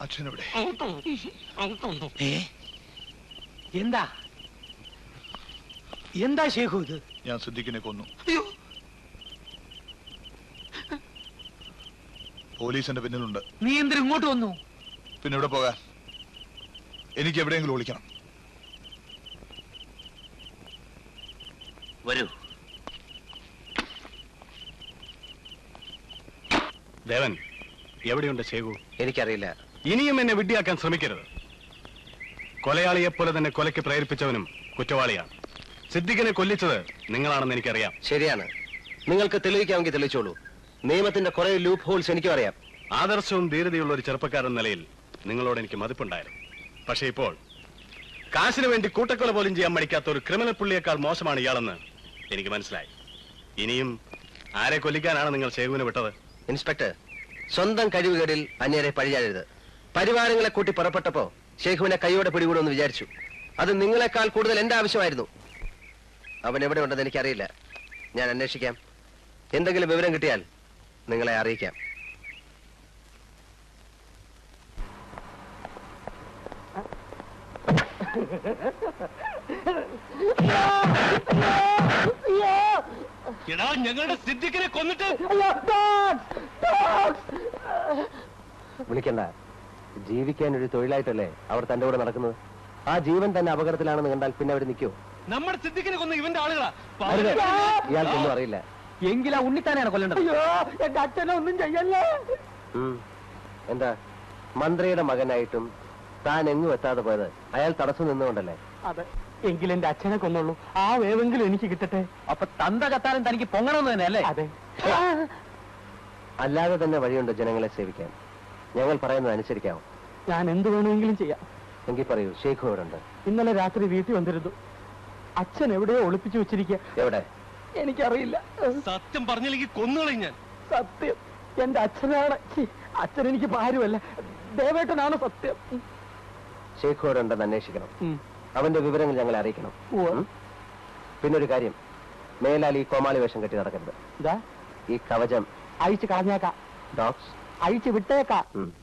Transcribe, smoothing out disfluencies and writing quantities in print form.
അച്ഛനെവിടെ? എന്താ എന്താ ഷേഖു ഇത്? ഞാൻ സിദ്ദിഖിനെ കൊന്നു. പോലീസിന്റെ പിന്നിലുണ്ട്. നീ എന്തിനും ഇങ്ങോട്ട് വന്നു? പിന്നെ ഇവിടെ പോകാൻ എനിക്ക് എവിടെയെങ്കിലും ഒളിക്കണം. വരൂ. ദേവൻ, എവിടെയുണ്ട് ഷേഖു? എനിക്കറിയില്ല. ഇനിയും എന്നെ വിഡ്ഢിയാക്കാൻ ശ്രമിക്കരുത്. കൊലയാളിയെപ്പോലെ തന്നെ കൊലയ്ക്ക് പ്രേരിപ്പിച്ചവനും കുറ്റവാളിയാണ്. സിദ്ദിഖിനെ കൊല്ലിച്ചത് നിങ്ങളാണെന്ന് എനിക്കറിയാം. ശരിയാണ്. നിങ്ങൾക്ക് തെളിയിക്കാമെങ്കിൽ തെളിയിച്ചോളൂ. നിയമത്തിന്റെ കുറെ ലൂപ്പ് ഹോൾസ് എനിക്കും അറിയാം. ആദർശവും ധീരതയുള്ള ഒരു ചെറുപ്പക്കാരൻ നിലയിൽ നിങ്ങളോട് എനിക്ക് മതിപ്പുണ്ടായിരുന്നു. പക്ഷേ ഇപ്പോൾ കാശിന് വേണ്ടി കൂട്ടക്കൊല പോലും ചെയ്യാൻ മടിക്കാത്ത ഒരു ക്രിമിനൽ പുള്ളിയേക്കാൾ മോശമാണ് ഇയാളെന്ന് എനിക്ക് മനസ്സിലായി. ഇനിയും ആരെ കൊല്ലിക്കാനാണ് നിങ്ങൾ ഷേഖുവിനെ വിട്ടത്? ഇൻസ്പെക്ടർ, സ്വന്തം കഴിവുകേടിൽ അന്യരെ പഴിചാഴരുത്. പരിവാരങ്ങളെ കൂട്ടി പുറപ്പെട്ടപ്പോ ഷേഖുവിനെ കൈയോടെ പിടികൂടുമെന്ന് വിചാരിച്ചു. അത് നിങ്ങളെക്കാൾ കൂടുതൽ എന്റെ ആവശ്യമായിരുന്നു. അവൻ എവിടെ ഉണ്ടെന്ന് എനിക്കറിയില്ല. ഞാൻ അന്വേഷിക്കാം. എന്തെങ്കിലും വിവരം കിട്ടിയാൽ നിങ്ങളെ അറിയിക്കാം. ഞങ്ങളുടെ സിദ്ദിഖിനെ കൊന്നിട്ട് വിളിക്കണ്ട. ജീവിക്കാൻ ഒരു തൊഴിലായിട്ടല്ലേ അവർ തന്റെ കൂടെ നടക്കുന്നത്. ആ ജീവൻ തന്നെ അപകടത്തിലാണെന്ന് കണ്ടാൽ പിന്നെ അവർ നിൽക്കൂ. നമ്മുടെ സിദ്ദിഖിനെ കൊന്ന ഇവന്റെ ആളുകളാ. ഇയാൾക്കൊന്നും അറിയില്ല. എങ്കിൽ ആ ഉണ്ണിത്താനെയാണ് കൊല്ലേണ്ടത്. എന്റെ അച്ഛനെ ഒന്നും ചെയ്യല്ലേ. എന്താ, മന്ത്രിയുടെ മകനായിട്ടും താൻ എങ്ങും എത്താതെ പോയത് അയാൾ തടസ്സം നിന്നുകൊണ്ടല്ലേ? അതെ. എങ്കിൽ എന്റെ അച്ഛനെ കൊന്നുള്ളൂ. ആ വേവെങ്കിലും എനിക്ക് കിട്ടട്ടെ. അപ്പൊ തന്ത കത്താനും തനിക്ക് പൊങ്ങണമെന്ന് തന്നെ അല്ലേ? അതെ. അല്ലാതെ തന്നെ വഴിയുണ്ട് ജനങ്ങളെ സേവിക്കാൻ. ഞങ്ങൾ പറയുന്നത് അനുസരിക്കാമോ? ഞാൻ എന്ത് വേണമെങ്കിലും ചെയ്യാം. എങ്കിൽ പറയൂ, ഷേഖു എവിടെ ഉണ്ട്? ഇന്നലെ രാത്രി വീട്ടിൽ വന്നിരുന്നു. അച്ഛൻ എവിടെയോ ഒളിപ്പിച്ചു വെച്ചിരിക്കുക. എവിടെ? എനിക്കറിയില്ല. സത്യം പറഞ്ഞില്ലെങ്കിൽ കൊന്നുകളയും ഞാൻ. സത്യം എന്റെ അച്ഛനാണ്. അച്ഛൻ എനിക്ക് ഭാര്യമല്ല, ദേവേട്ടനാണ് സത്യം. ഷേഖു എവിടെ ഉണ്ടെന്ന് അന്വേഷിക്കണം. അവന്റെ വിവരങ്ങൾ ഞങ്ങളെ അറിയിക്കണം. പിന്നൊരു കാര്യം, മേലാൽ ഈ കോമാളി വേഷം കെട്ടി നടക്കരുത്. ഈ കവചം അഴിച്ചു കളഞ്ഞേക്കാം. ഡോക്സ് അഴിച്ചു വിട്ടേക്കാം.